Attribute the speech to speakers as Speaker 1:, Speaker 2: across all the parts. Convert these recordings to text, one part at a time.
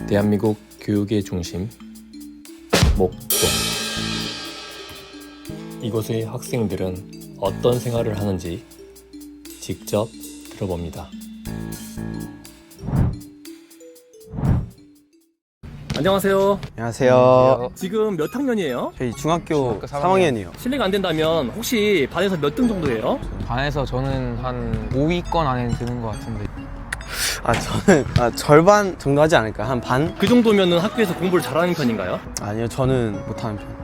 Speaker 1: 대한민국 교육의 중심 목동. 이곳의 학생들은 어떤 생활을 하는지 직접 들어봅니다. 안녕하세요.
Speaker 2: 안녕하세요.
Speaker 1: 지금 몇 학년이에요?
Speaker 2: 저희 중학교 3학년이요.
Speaker 1: 실례가 안 된다면 혹시 반에서 몇 등 정도예요?
Speaker 3: 반에서 저는 한 5위권 안에 드는 것 같은데.
Speaker 2: 저는 절반 정도 하지 않을까? 한 반?
Speaker 1: 그 정도면 학교에서 공부를 잘하는 편인가요?
Speaker 2: 아니요, 저는 못하는 편.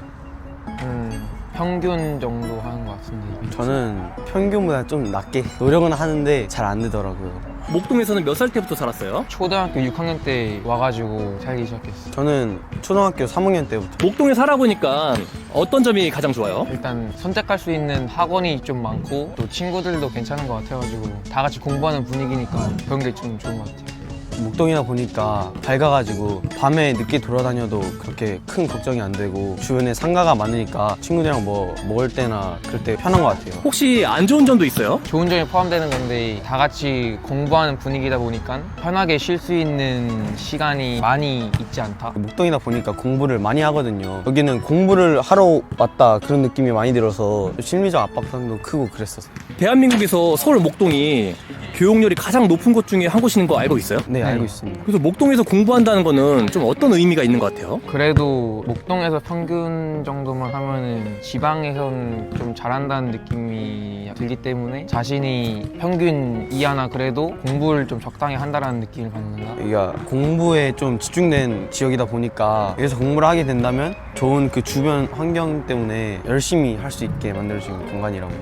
Speaker 3: 평균 정도 하는 것 같은데.
Speaker 2: 저는 평균보다 좀 낮게 노력은 하는데 잘 안 되더라고요.
Speaker 1: 목동에서는 몇 살 때부터 살았어요?
Speaker 3: 초등학교 6학년 때 와가지고 살기 시작했어요.
Speaker 2: 저는 초등학교 3학년 때부터.
Speaker 1: 목동에 살아보니까 어떤 점이 가장 좋아요?
Speaker 3: 일단 선택할 수 있는 학원이 좀 많고 또 친구들도 괜찮은 것 같아가지고 다 같이 공부하는 분위기니까 그런 게 좀 좋은 것 같아요.
Speaker 2: 목동이다 보니까 밝아가지고 밤에 늦게 돌아다녀도 그렇게 큰 걱정이 안 되고 주변에 상가가 많으니까 친구들이랑 뭐 먹을 때나 그럴 때 편한 것 같아요.
Speaker 1: 혹시 안 좋은 점도 있어요?
Speaker 3: 좋은 점이 포함되는 건데 다 같이 공부하는 분위기다 보니까 편하게 쉴 수 있는 시간이 많이 있지 않다.
Speaker 2: 목동이다 보니까 공부를 많이 하거든요. 여기는 공부를 하러 왔다 그런 느낌이 많이 들어서 심리적 압박감도 크고 그랬었어요.
Speaker 1: 대한민국에서 서울 목동이 교육열이 가장 높은 곳 중에 한 곳인 거 알고 있어요?
Speaker 2: 네, 알고 있습니다.
Speaker 1: 그래서 목동에서 공부한다는 거는 좀 어떤 의미가 있는 것 같아요?
Speaker 3: 그래도 목동에서 평균 정도만 하면은 지방에선 좀 잘한다는 느낌이 들기 때문에 자신이 평균 이하나 그래도 공부를 좀 적당히 한다는 느낌을 받는다.
Speaker 2: 여기가 공부에 좀 집중된 지역이다 보니까 여기서 공부를 하게 된다면 좋은 그 주변 환경 때문에 열심히 할 수 있게 만들어주는 공간이라고.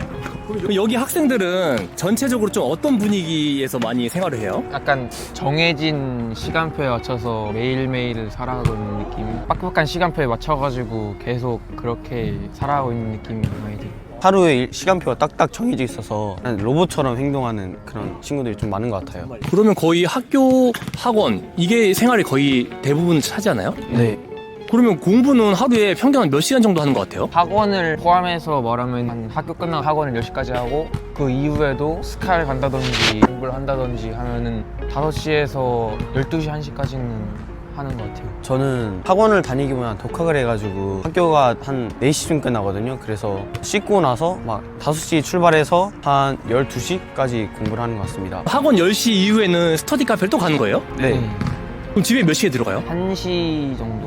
Speaker 1: 그럼 여기 학생들은 전체적으로 좀 어떤 분위기에서 많이 생활을 해요?
Speaker 3: 약간 정해진 시간표에 맞춰서 매일매일을 살아가고 있는 느낌. 빡빡한 시간표에 맞춰가지고 계속 그렇게 살아가고 있는 느낌이 많이 들어요.
Speaker 2: 하루에 시간표가 딱딱 정해져 있어서 로봇처럼 행동하는 그런 친구들이 좀 많은 것 같아요.
Speaker 1: 그러면 거의 학교, 학원 이게 생활이 거의 대부분 차지하나요?
Speaker 2: 네.
Speaker 1: 그러면 공부는 하루에 평균 한 몇 시간 정도 하는 것 같아요?
Speaker 3: 학원을 포함해서 말하면 한 학교 끝나고 학원을 10시까지 하고 그 이후에도 스카를 간다든지 공부를 한다든지 하면은 5시에서 12시, 1시까지는 하는 것 같아요.
Speaker 2: 저는 학원을 다니기보다 독학을 해가지고 학교가 한 4시쯤 끝나거든요. 그래서 씻고 나서 막 5시 출발해서 한 12시까지 공부를 하는 것 같습니다.
Speaker 1: 학원 10시 이후에는 스터디 카페를 또 가는 거예요?
Speaker 2: 네.
Speaker 1: 그럼 집에 몇 시에 들어가요?
Speaker 3: 1시 정도?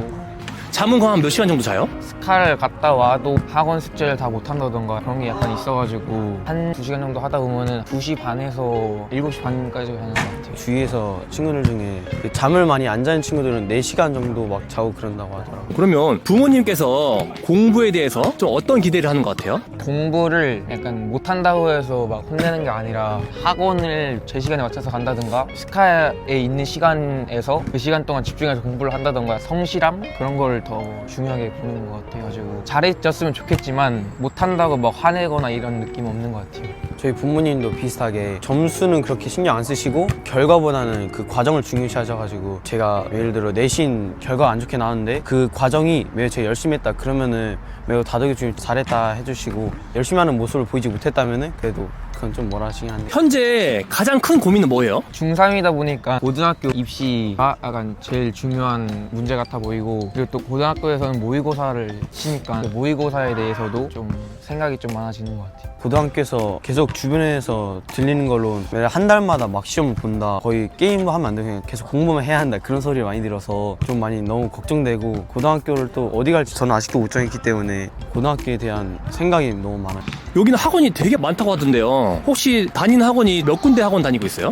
Speaker 1: 잠은 그럼 한 몇 시간 정도 자요?
Speaker 3: 스카를 갔다 와도 학원 숙제를 다 못한다던가 그런 게 약간 있어가지고 한 2시간 정도 하다 보면은 2시 반에서 7시 반까지 하는 것 같아요.
Speaker 2: 주위에서 친구들 중에 그 잠을 많이 안 자는 친구들은 4시간 정도 막 자고 그런다고 하더라고요.
Speaker 1: 그러면 부모님께서 공부에 대해서 좀 어떤 기대를 하는 것 같아요?
Speaker 3: 공부를 약간 못한다고 해서 막 혼내는 게 아니라 학원을 제 시간에 맞춰서 간다든가 스카에 있는 시간에서 그 시간 동안 집중해서 공부를 한다든가 성실함? 그런 걸 더 중요하게 보는 것 같아가지고 잘해줬으면 좋겠지만 못한다고 막 화내거나 이런 느낌 없는 것 같아요.
Speaker 2: 저희 부모님도 비슷하게 점수는 그렇게 신경 안 쓰시고 결과보다는 그 과정을 중요시 하셔가지고 제가 예를 들어 내신 결과가 안 좋게 나왔는데 그 과정이 매우 제가 열심히 했다 그러면은 매우 다독여주고 잘했다 해주시고 열심히 하는 모습을 보이지 못했다면은 그래도 그건 좀 뭐라 하시긴 한데
Speaker 1: 현재 가장 큰 고민은 뭐예요?
Speaker 3: 중3이다 보니까 고등학교 입시가 약간 제일 중요한 문제 같아 보이고 그리고 또 고등학교에서는 모의고사를 치니까 모의고사에 대해서도 좀 생각이 좀 많아지는 것 같아요.
Speaker 2: 고등학교에서 계속 주변에서 들리는 걸로 매달 한 달마다 막 시험을 본다 거의 게임도 하면 안 되고 그냥 계속 공부만 해야 한다 그런 소리를 많이 들어서 좀 많이 너무 걱정되고 고등학교를 또 어디 갈지 저는 아직도 못 정했기 때문에 고등학교에 대한 생각이 너무 많아요.
Speaker 1: 여기는 학원이 되게 많다고 하던데요. 혹시 다니는 학원이 몇 군데 학원 다니고 있어요?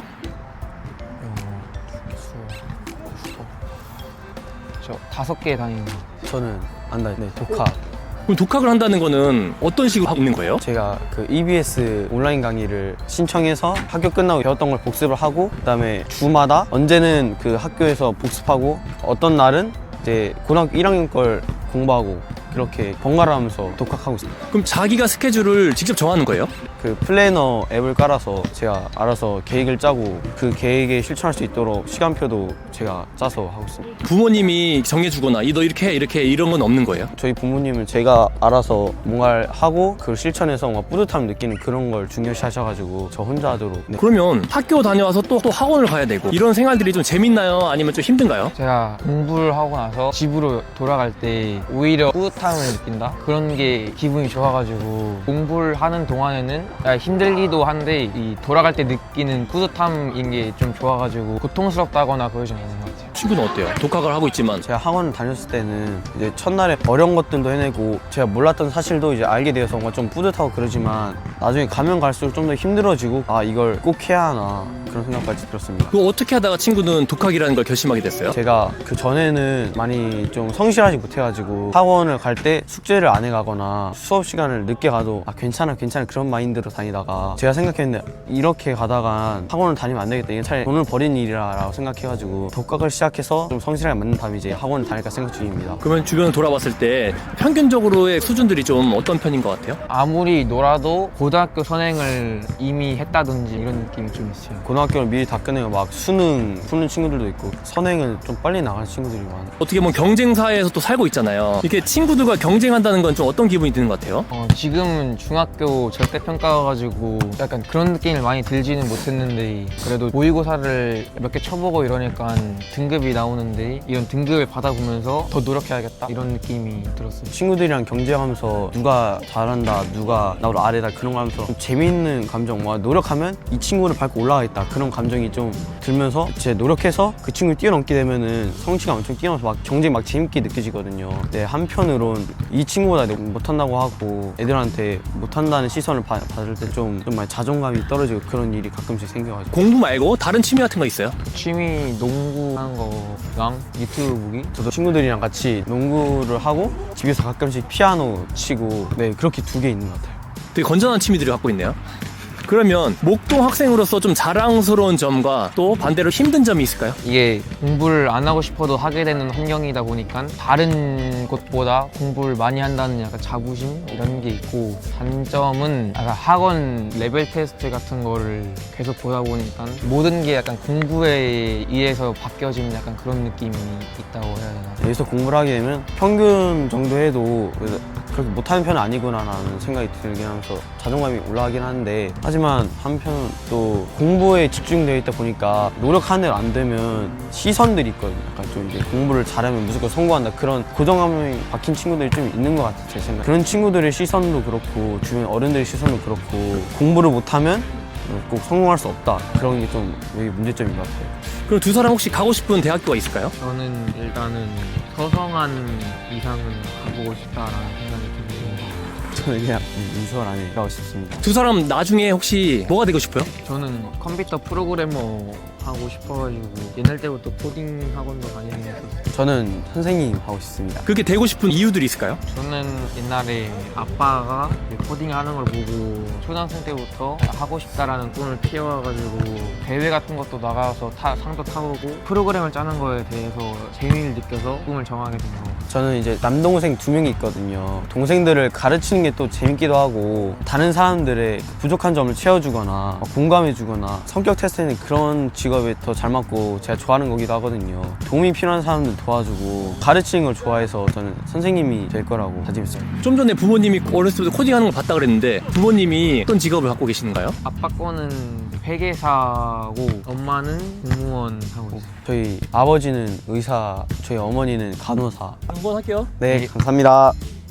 Speaker 3: 저 5개 다니는 거.
Speaker 2: 저는 안 다녀요. 네, 독학.
Speaker 1: 그럼 독학을 한다는 거는 어떤 식으로 하고 있는 거예요?
Speaker 2: 제가 그 EBS 온라인 강의를 신청해서 학교 끝나고 배웠던 걸 복습을 하고 그다음에 주마다 언제는 그 학교에서 복습하고 어떤 날은 이제 고등학교 1학년 걸 공부하고 그렇게 번갈아 가면서 독학하고 있습니다.
Speaker 1: 그럼 자기가 스케줄을 직접 정하는 거예요?
Speaker 2: 그 플래너 앱을 깔아서 제가 알아서 계획을 짜고 그 계획에 실천할 수 있도록 시간표도 제가 짜서 하고 있습니다.
Speaker 1: 부모님이 정해주거나 너 이렇게 해 이렇게 해, 이런 건 없는 거예요?
Speaker 2: 저희 부모님은 제가 알아서 뭔가를 하고 그걸 실천해서 뭔가 뿌듯함을 느끼는 그런 걸 중요시 하셔가지고 저 혼자 하도록. 네.
Speaker 1: 그러면 학교 다녀와서 또 학원을 가야 되고 이런 생활들이 좀 재밌나요? 아니면 좀 힘든가요?
Speaker 3: 제가 공부를 하고 나서 집으로 돌아갈 때 오히려 뿌듯함을 느낀다? 그런 게 기분이 좋아가지고 공부를 하는 동안에는 힘들기도 한데 이 돌아갈 때 느끼는 뿌듯함인 게 좀 좋아가지고 고통스럽다거나 그러진 않는 것 같아요.
Speaker 1: 친구는 어때요? 독학을 하고 있지만
Speaker 2: 제가 학원 다녔을 때는 이제 첫날에 어려운 것들도 해내고 제가 몰랐던 사실도 이제 알게 되어서 뭔가 좀 뿌듯하고 그러지만 나중에 가면 갈수록 좀 더 힘들어지고 아 이걸 꼭 해야 하나 그런 생각까지 들었습니다.
Speaker 1: 그거 어떻게 하다가 친구는 독학이라는 걸 결심하게 됐어요?
Speaker 2: 제가 그 전에는 많이 좀 성실하지 못해가지고 학원을 갈 때 숙제를 안 해가거나 수업 시간을 늦게 가도 아 괜찮아 그런 마인드로 다니다가 제가 생각했는데 이렇게 가다가 학원을 다니면 안 되겠다, 이게 차라리 돈을 버리는 일이라 라고 생각해가지고 독학을 시작해서 좀 성실하게 만든 다음에 이제 학원을 다닐까 생각 중입니다.
Speaker 1: 그러면 주변을 돌아봤을 때 평균적으로의 수준들이 좀 어떤 편인 것 같아요?
Speaker 3: 아무리 놀아도 고등학교 선행을 이미 했다든지 이런 느낌이 좀 있어요.
Speaker 2: 고등학교를 미리 다 끝내고 막 수능 푸는 친구들도 있고 선행을 좀 빨리 나가는 친구들이 많아요.
Speaker 1: 어떻게 보면 경쟁 사회에서 또 살고 있잖아요. 이렇게 친구들과 경쟁한다는 건 좀 어떤 기분이 드는 것 같아요?
Speaker 3: 지금은 중학교 절대평가가지고 약간 그런 느낌을 많이 들지는 못했는데 그래도 모의고사를 몇 개 쳐보고 이러니까 등급이 나오는데 이런 등급을 받아보면서 더 노력해야겠다 이런 느낌이 들었어요.
Speaker 2: 친구들이랑 경쟁하면서 누가 잘한다 누가 나보다 아래다 그런 거 하면서 좀 재미있는 감정, 와 노력하면 이 친구를 밟고 올라가겠다 그런 감정이 좀 들면서 제 노력해서 그 친구를 뛰어넘게 되면은 성취가 엄청 뛰어나서 막 경쟁이 막 재밌게 느껴지거든요. 근데 한편으론 이 친구보다 내가 못한다고 하고 애들한테 못한다는 시선을 받을 때 좀 많이 자존감이 떨어지고 그런 일이 가끔씩 생겨가지고.
Speaker 1: 공부 말고 다른 취미 같은 거 있어요?
Speaker 3: 취미 농구하는 거랑 유튜브 보기?
Speaker 2: 저도 친구들이랑 같이 농구를 하고 집에서 가끔씩 피아노 치고 네 그렇게 두 개 있는 것 같아요.
Speaker 1: 되게 건전한 취미들을 갖고 있네요. 그러면 목동 학생으로서 좀 자랑스러운 점과 또 반대로 힘든 점이 있을까요?
Speaker 3: 이게 공부를 안 하고 싶어도 하게 되는 환경이다 보니까 다른 곳보다 공부를 많이 한다는 약간 자부심 이런 게 있고, 단점은 약간 학원 레벨 테스트 같은 거를 계속 보다 보니까 모든 게 약간 공부에 의해서 바뀌어지는 약간 그런 느낌이 있다고 해야 되나.
Speaker 2: 여기서 공부를 하게 되면 평균 정도 해도 그렇게 못하는 편은 아니구나라는 생각이 들긴 하면서 자존감이 올라가긴 하는데, 하지만 한편 또 공부에 집중되어 있다 보니까 노력하는 대로 안 되면 시선들이 있거든요. 약간 좀 이제 공부를 잘하면 무조건 성공한다 그런 고정감이 박힌 친구들이 좀 있는 것 같아요, 제 생각에. 그런 친구들의 시선도 그렇고 주변 어른들의 시선도 그렇고 공부를 못하면 꼭 성공할 수 없다 그런 게 좀 여기 문제점인 것 같아요.
Speaker 1: 그럼 두 사람 혹시 가고 싶은 대학교가 있을까요?
Speaker 3: 저는 일단은 서성한 이상은 가보고 싶다라는 생각이 듭니다.
Speaker 2: 저는 그냥 인서울 안에 가고 싶습니다.
Speaker 1: 두 사람 나중에 혹시 뭐가 되고 싶어요?
Speaker 3: 저는 컴퓨터 프로그래머 하고 싶어가지고 옛날 때부터 코딩 학원도 다니면서.
Speaker 2: 저는 선생님 하고 싶습니다.
Speaker 1: 그렇게 되고 싶은 이유들이 있을까요?
Speaker 3: 저는 옛날에 아빠가 코딩 하는 걸 보고 초등학생 때부터 하고 싶다라는 꿈을 키워가지고 대회 같은 것도 나가서 상도 타보고 프로그램을 짜는 거에 대해서 재미를 느껴서 꿈을 정하게 된 거.
Speaker 2: 저는 이제 남동생 2명이 있거든요. 동생들을 가르치는 게 또 재밌기도 하고 다른 사람들의 부족한 점을 채워주거나 공감해주거나 성격 테스트는 그런 직업에 더 잘 맞고 제가 좋아하는 거기도 하거든요. 도움이 필요한 사람들 도와주고 가르치는 걸 좋아해서 저는 선생님이 될 거라고 다짐했어요.
Speaker 1: 좀 전에 부모님이 어렸을 때부터 코딩하는 걸 봤다 그랬는데 부모님이 어떤 직업을 갖고 계시는가요?
Speaker 3: 아빠 거는 회계사고 엄마는 공무원 하고 있어요.
Speaker 2: 저희 아버지는 의사, 저희 어머니는 간호사.
Speaker 1: 한번 할게요.
Speaker 2: 네, 감사합니다.